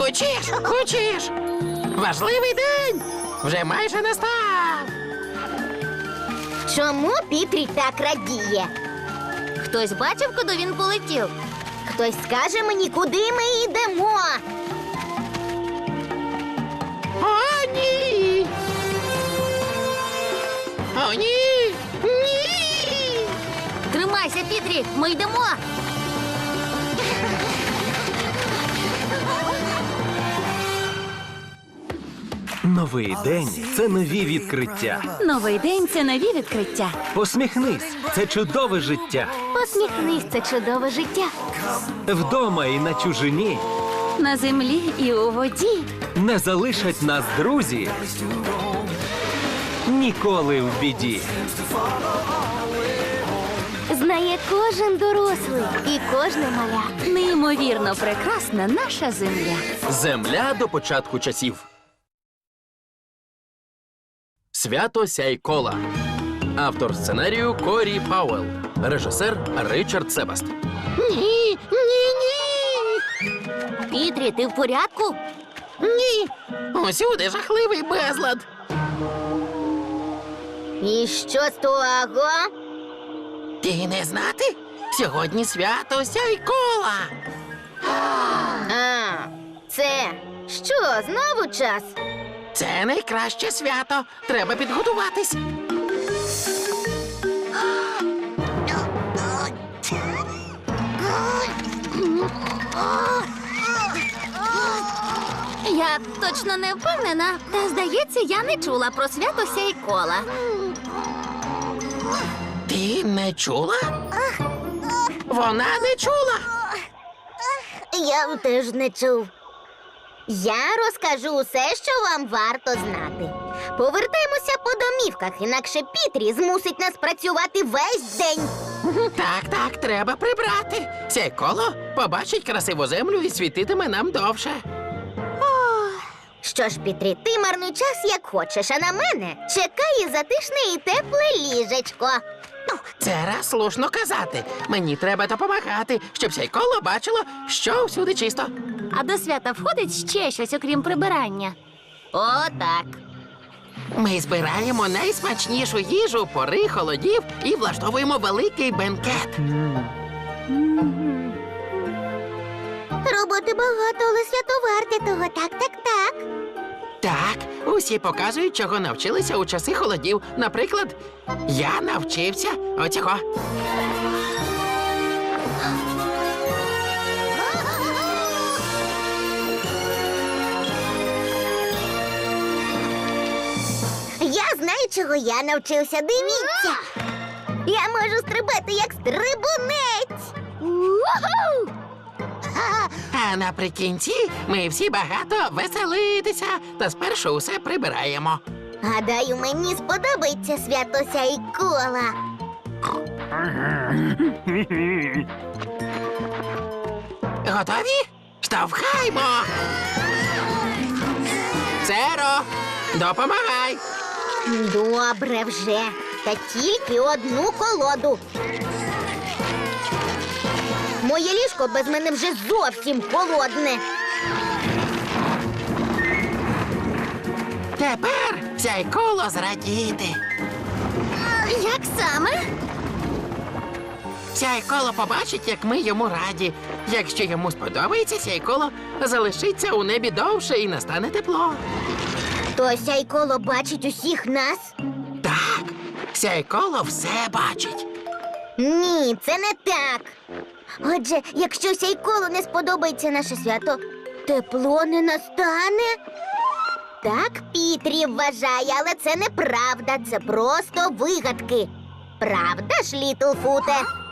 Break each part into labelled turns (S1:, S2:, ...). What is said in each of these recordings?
S1: Хочеш? Важливий день! Вже майже настав!
S2: Чому Пітрі так радіє?
S3: Хтось бачив, куди він полетів?
S2: Хтось скаже мені, куди ми йдемо?
S1: О, ні! О, ні! Ні!
S3: Тримайся, Пітрі, ми йдемо!
S4: Новий день – це нові відкриття.
S3: Новий день – це нові відкриття.
S4: Посміхнись – це чудове життя.
S2: Посміхнись, це чудове життя.
S4: Вдома і на чужині
S3: На землі і у воді.
S4: не залишать нас друзі. Ніколи в біді.
S2: Знає кожен дорослий і кожне маля.
S3: Неймовірно прекрасна наша земля.
S5: Земля до початку часів. Свято Сяйкола. Автор сценарію Корі Пауелл. Режисер Ричард Себаст.
S1: Ні!
S3: Пітрі, ти в порядку?
S1: Ні! Усюди жахливий безлад!
S2: І що з того?
S1: Ти не знати? Сьогодні свято Сяйкола!
S2: А, це що, знову час?
S1: Це найкраще свято. Треба підготуватись.
S3: Я точно не впевнена, та, здається, я не чула про свято Сяйкола.
S1: Ти не чула? Вона не чула.
S2: Я теж не чув. Я розкажу усе, що вам варто знати. Повертаємося по домівках, інакше Пітрі змусить нас працювати весь день.
S1: Так, треба прибрати. Сяйколо побачить красиву землю і світитиме нам довше.
S2: Що ж, Пітрі, ти марнуй час, як хочеш, а на мене чекає затишне і тепле ліжечко.
S1: Це раз слушно казати. Мені треба допомагати, щоб Сяйколо бачило, що всюди чисто.
S3: А до свята входить ще щось, окрім прибирання.
S2: О, так.
S1: Ми збираємо найсмачнішу їжу пори холодів і влаштовуємо великий бенкет.
S2: Роботи багато, але свято варте того. Так.
S1: Так, усі показують, чого навчилися у часи холодів. Наприклад, я навчився оцього.
S2: Я знаю, чого я навчився. Дивіться. Я можу стрибати, як стрибунець. Уху!
S1: А наприкінці ми всі багато веселитися, та спершу усе прибираємо.
S2: Гадаю, мені сподобається свято Сяйкола.
S1: Готові? Штовхаймо! Церо, допомагай!
S2: Добре вже. Та тільки одну колоду. Моє ліжко без мене вже зовсім холодне.
S1: Тепер Сяйколо зрадіти.
S3: Як саме?
S1: Сяйколо побачить, як ми йому раді. Якщо йому сподобається, Сяйколо залишиться у небі довше і настане тепло.
S2: То Сяйколо бачить усіх нас?
S1: Так, Сяйколо все бачить.
S2: Ні, це не так. Отже, якщо Сяйколу не сподобається наше свято, тепло не настане? Так Пітрі вважає, але це неправда, це просто вигадки. Правда ж, Літлфуте?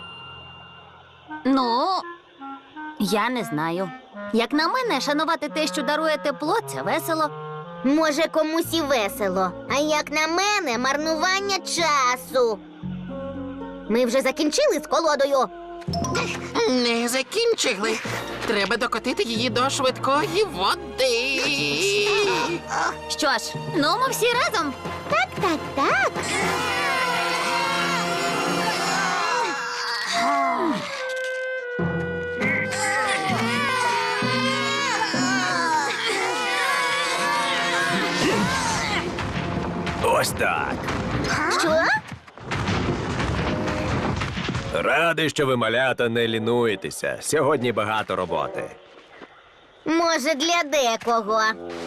S3: Ну, я не знаю. Як на мене, шанувати те, що дарує тепло, це весело.
S2: Може, комусь і весело, а як на мене, марнування часу. Ми вже закінчили з колодою.
S1: Не закінчили. Треба докотити її до швидкої води.
S3: Що ж, ну ми всі разом.
S2: Так.
S4: Ось так.
S2: Що?
S4: Радий, що ви, малята, не лінуєтеся. Сьогодні багато роботи.
S2: Може, для декого.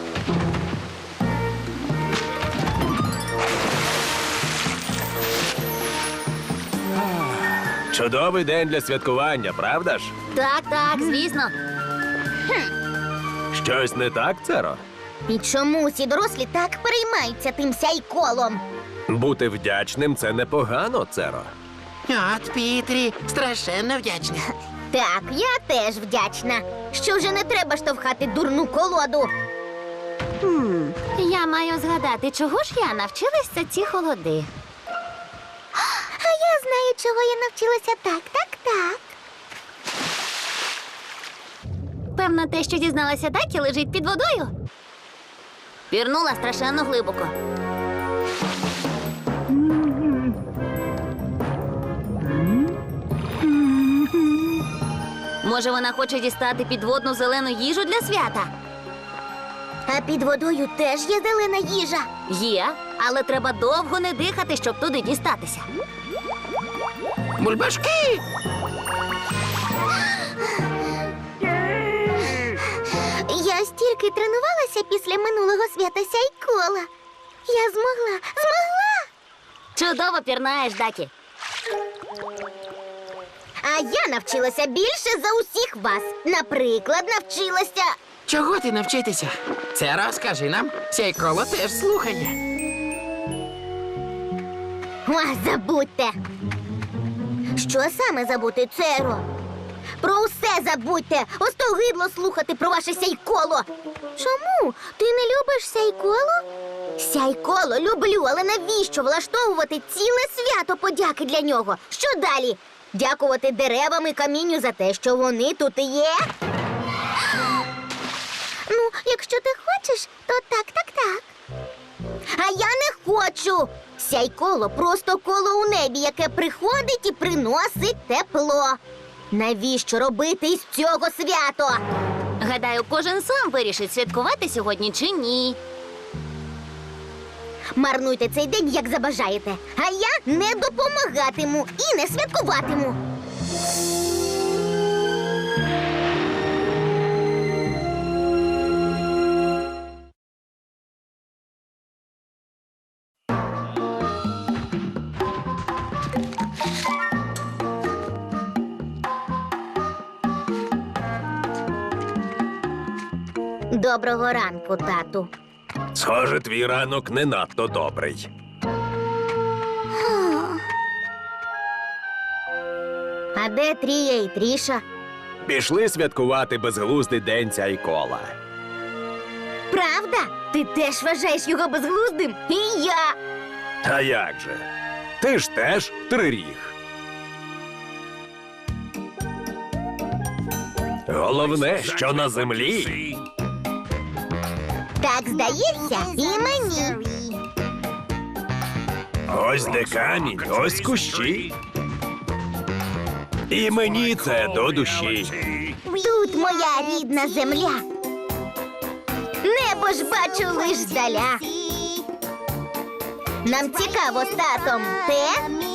S4: Чудовий день для святкування, правда ж?
S3: Так, звісно.
S4: Щось не так, Церо?
S2: І чому всі дорослі так переймаються тим сяйколом?
S4: Бути вдячним це непогано, Церо.
S1: От, Пітрі, страшенно вдячна.
S2: Так, я теж вдячна. Що вже не треба штовхати дурну колоду.
S3: Я маю згадати, чого ж я навчилася ці холоди.
S2: А я знаю, чого я навчилася. Так.
S3: Певно, те, що дізналася Дакі, лежить під водою. Пірнула страшенно глибоко. Може, вона хоче дістати підводну зелену їжу для свята?
S2: А під водою теж є зелена їжа.
S3: Є, але треба довго не дихати, щоб туди дістатися.
S1: Бульбашки!
S2: Я стільки тренувалася після минулого свята сяйкола. Я змогла.
S3: Чудово пірнаєш, Дакі.
S2: А я навчилася більше за усіх вас. Наприклад, навчилася.
S1: Чого ти навчитися? Це розкажи нам. Сяйколо теж слухає.
S2: Забудьте. Що саме забути, Церо? Про усе забудьте. Остогидло слухати про ваше сяйколо. Чому? Ти не любиш сяйколо? Сяйколо люблю, але навіщо влаштовувати ціле свято подяки для нього? Що далі? Дякувати деревам і камінню за те, що вони тут і є? Ну, якщо ти хочеш, то так. А я не хочу. Сяйколо просто коло у небі, яке приходить і приносить тепло. Навіщо робити із цього свято?
S3: Гадаю, кожен сам вирішить, святкувати сьогодні чи ні.
S2: Марнуйте цей день, як забажаєте. А я не допомагатиму і не святкуватиму. Доброго ранку, тату.
S4: Схоже, твій ранок не надто добрий.
S2: А де Трія і Тріша?
S4: Пішли святкувати безглуздий день сяйкола.
S2: Правда? Ти теж вважаєш його безглуздим? І я.
S4: А як же? Ти ж теж триріг. Головне, що на землі.
S2: Так здається, і мені.
S4: Ось де камінь, ось кущі. І мені це до душі.
S2: Тут моя рідна земля. Небо ж бачу лиш здаля. Нам цікаво з татом те,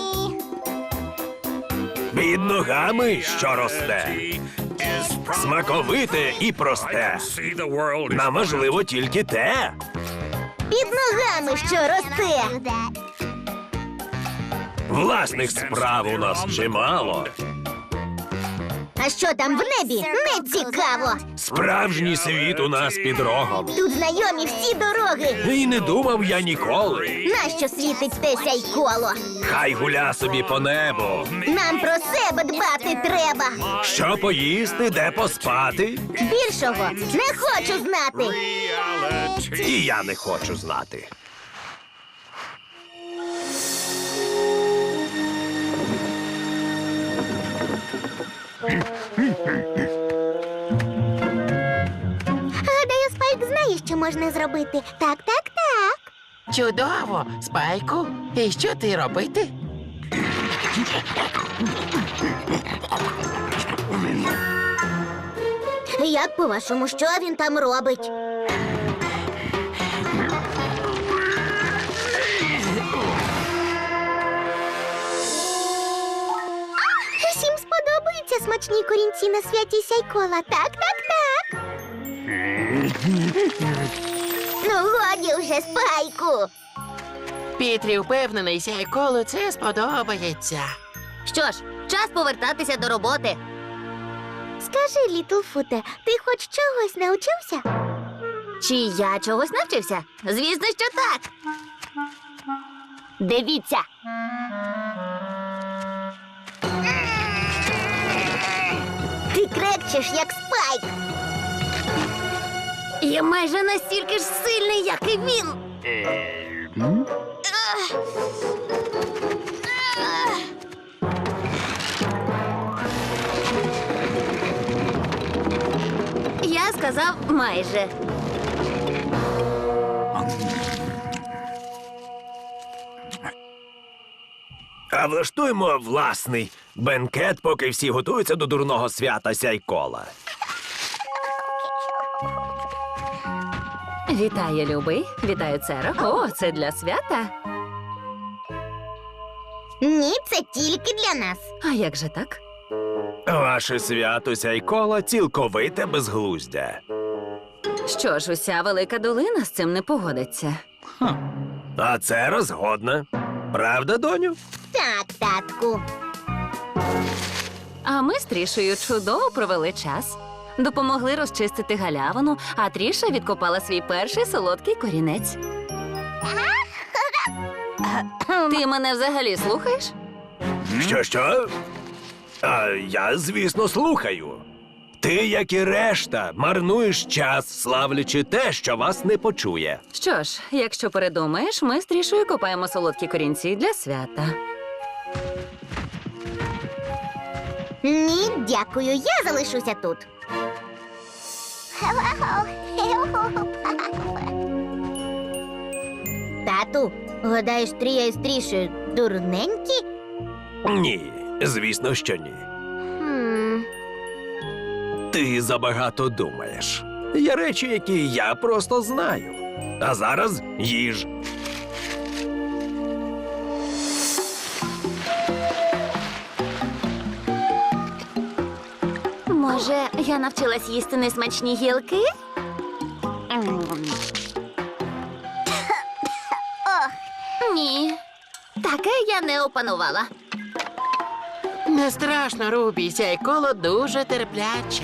S4: Під ногами, що росте. Смаковите і просте. Нам важливо тільки те.
S2: під ногами, що росте.
S4: Власних справ у нас чимало.
S2: А що там в небі? Не цікаво.
S4: Справжній світ у нас під рогом.
S2: Тут знайомі всі дороги.
S4: І не думав я ніколи.
S2: Нащо світить те сяйколо?
S4: Хай гуля собі по небу.
S2: Нам про себе дбати треба.
S4: Що поїсти, де поспати?
S2: Більшого не хочу знати.
S4: І я не хочу знати.
S2: Гадаю, Спайк знає, що можна зробити. Так.
S1: Чудово, Спайку. І що ти робити?
S2: Як по-вашому, що він там робить? смачні корінці на святі Сяйкола. Так. Ну, годі вже, Спайку.
S1: Пітрі впевнений, Сяйколу це сподобається.
S3: Що ж, час повертатися до роботи.
S2: Скажи, Літлфуте, ти хоч чогось навчився?
S3: Чи я чогось навчився? Звісно, що так. Дивіться.
S2: Ти крекчеш, як Спайк.
S3: Я майже настільки ж сильний, як і він. Я сказав майже.
S4: А влаштуємо власний бенкет, поки всі готуються до дурного свята Сяйкола.
S6: Вітаю, любий. Вітаю, Церо. О, це для свята?
S2: Ні, це тільки для нас.
S6: А як же так?
S4: Ваше свято Сяйкола цілковите безглуздя.
S6: Що ж, уся велика долина з цим не погодиться.
S4: А це розгодна. Правда, доню?
S2: Так, татку.
S6: А ми з Трішею чудово провели час. Допомогли розчистити галявину, а Тріша відкопала свій перший солодкий корінець. Ти мене взагалі слухаєш?
S4: Що? А я, звісно, слухаю. Ти, як і решта, марнуєш час, славлячи те, що вас не почує.
S6: Що ж, якщо передумаєш, ми з Трішею копаємо солодкі корінці для свята.
S2: Ні, дякую, я залишуся тут. Тату, гадаєш, Трія із Трішею дурненькі?
S4: Ні, звісно, що ні.
S2: Хм.
S4: Ти забагато думаєш. Є речі, які я просто знаю. А зараз їж.
S3: Може, я навчилась їсти несмачні гілки? Ні, таке я не опанувала.
S1: Не страшно, Рубі, Сяйколо дуже терпляче.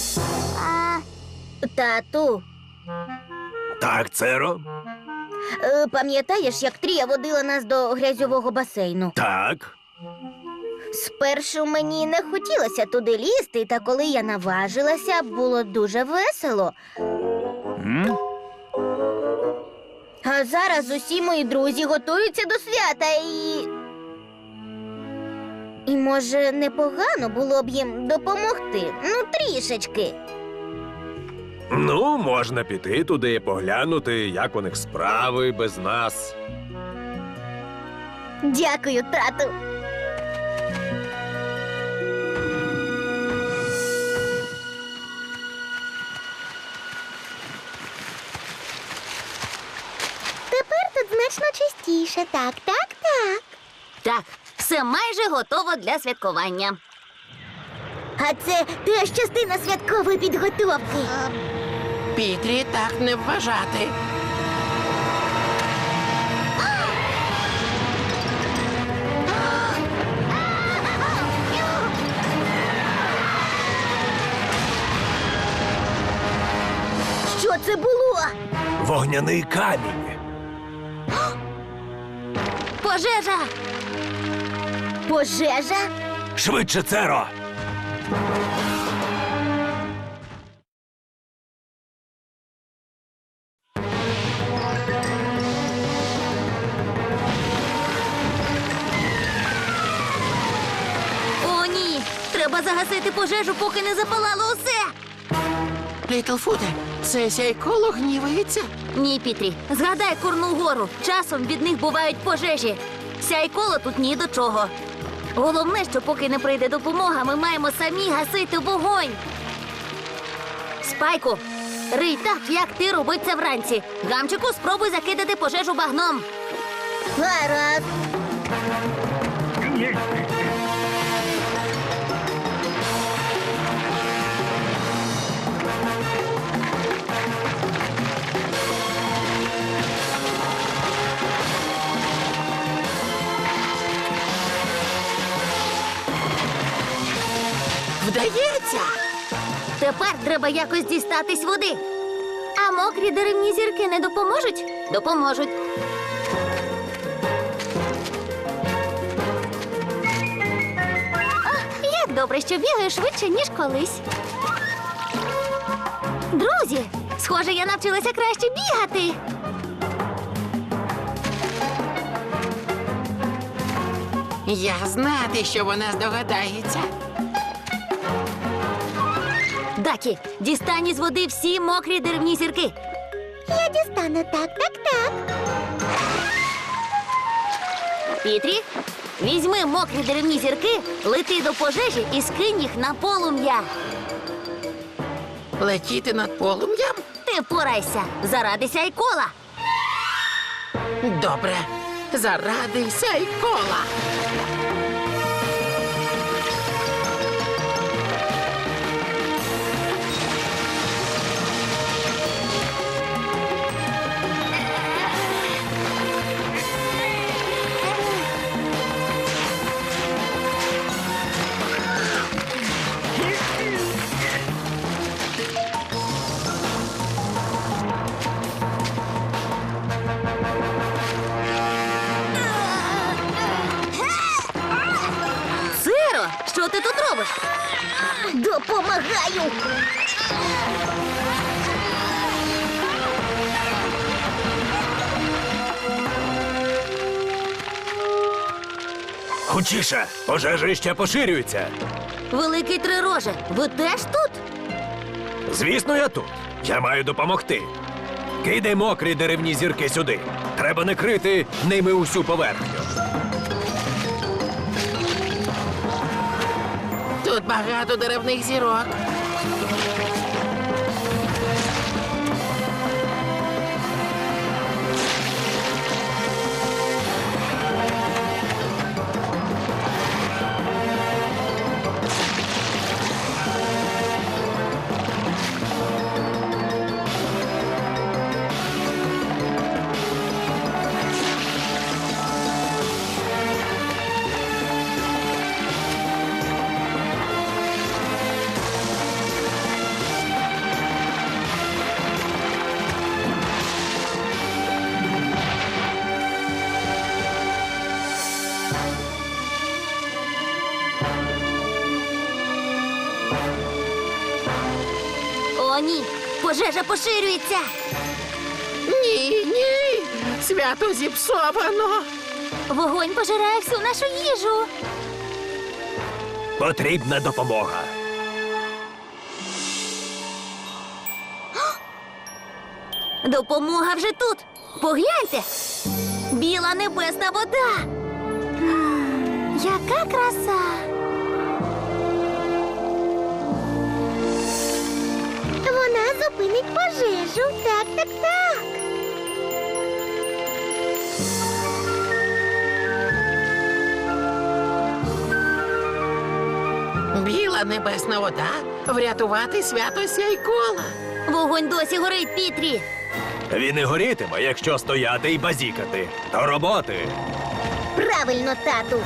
S2: Тату,
S4: Так, Церо?
S2: пам'ятаєш, як Трія водила нас до грязьового басейну?
S4: Так.
S2: Спершу мені не хотілося туди лізти, та коли я наважилася, було дуже весело. А зараз усі мої друзі готуються до свята і. І, може, непогано було б їм допомогти. Ну, трішечки.
S4: Ну, можна піти туди і поглянути, як у них справи без нас.
S2: Дякую, тату. Тепер тут значно чистіше. Так.
S3: Так, все майже готово для святкування.
S2: А це теж частина святкової підготовки.
S1: Пітрі так не вважати.
S2: Що це було?
S4: Вогняний камінь.
S3: Пожежа!
S2: Пожежа?
S4: Швидше, Церо!
S3: О, ні! Треба загасити пожежу, поки не запалало усе!
S1: Літлфуте, це Сяйколо гнівається?
S3: Ні, Пітрі, згадай Курну гору. Часом від них бувають пожежі. Сяйколо тут ні до чого. Головне, що поки не прийде допомога, ми маємо самі гасити вогонь. Спайку, рий так, як ти робив це вранці. Гамчику, спробуй закидати пожежу багном.
S2: Гаразд.
S1: Вдається!
S3: Тепер треба якось дістатись води. А мокрі деревні зірки не допоможуть? Допоможуть. О, як добре, що бігаю швидше, ніж колись. Друзі, схоже, я навчилася краще бігати.
S1: Я знати, що вона здогадається.
S3: Дакі, дістань із води всі мокрі деревні зірки.
S2: Я дістану так.
S3: Пітрі, візьми мокрі деревні зірки, лети до пожежі і скинь їх на полум'я.
S1: Летіти над полум'ям?
S3: Ти впорайся заради Сяйкола.
S1: Добре. Заради Сяйкола.
S3: Сиро, що ти тут робиш?
S2: Допомагаю.
S4: Хутчіше, пожежа ще поширюється.
S3: Великий Трироже, ви теж тут?
S4: Звісно, я тут. Я маю допомогти. Кидай мокрі деревні зірки сюди. Треба накрити ними усю поверхню.
S1: Тут багато деревних зірок.
S3: О, ні, пожежа поширюється.
S1: Ні. Свято зіпсовано.
S3: Вогонь пожирає всю нашу їжу.
S4: Потрібна допомога.
S3: Допомога вже тут. Погляньте. Біла небесна вода. Яка краса.
S2: Вона зупинить пожежу. Так.
S1: Біла небесна вода врятувати свято Сяйкола.
S3: Вогонь досі горить, Пітрі.
S4: Він і горітиме, якщо стояти і базікати. До роботи.
S2: Правильно, тату.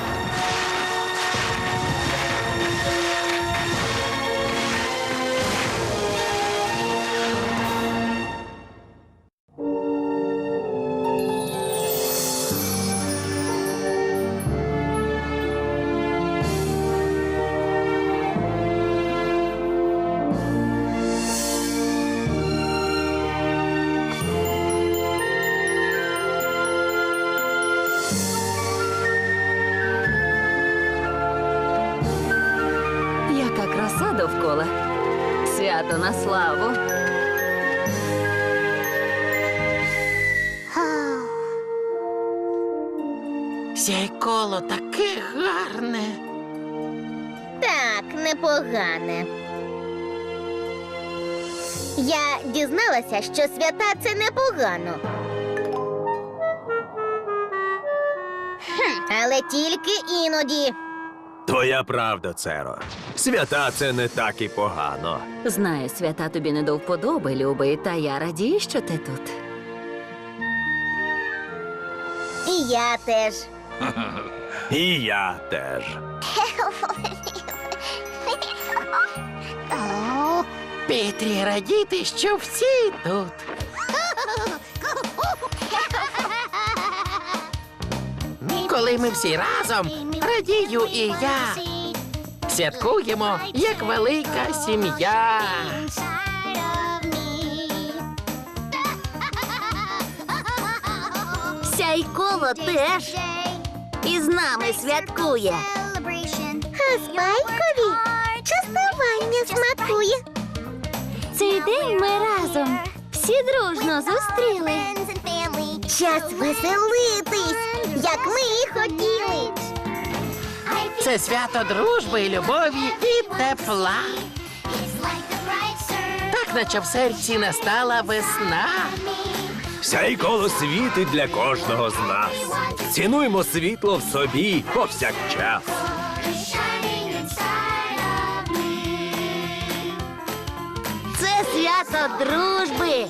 S6: Яка краса довкола. Свято на славу.
S1: Сяйколо таке гарне.
S2: Так, непогане. Я дізналася, що свята це непогано. Але тільки іноді.
S4: Твоя правда, Церо. Свята це не так і погано.
S6: Знаю, свята тобі не до вподоби, любий, та я радію, що ти тут.
S2: І я теж.
S4: І я теж.
S1: Пітрі, радіти, що всі тут. Коли ми всі разом, радію і я. Святкуємо, як велика сім'я.
S3: Сяйколо теж із нами святкує.
S2: А Спайкові частування смакує.
S3: Цей день ми разом всі дружно зустріли.
S2: Час веселитись, як ми і хотіли.
S1: Це свято дружби, любові і тепла. Так, наче в серці настала весна.
S4: Сяйколо світить для кожного з нас. Цінуймо світло в собі повсякчас.
S3: Це свято дружби.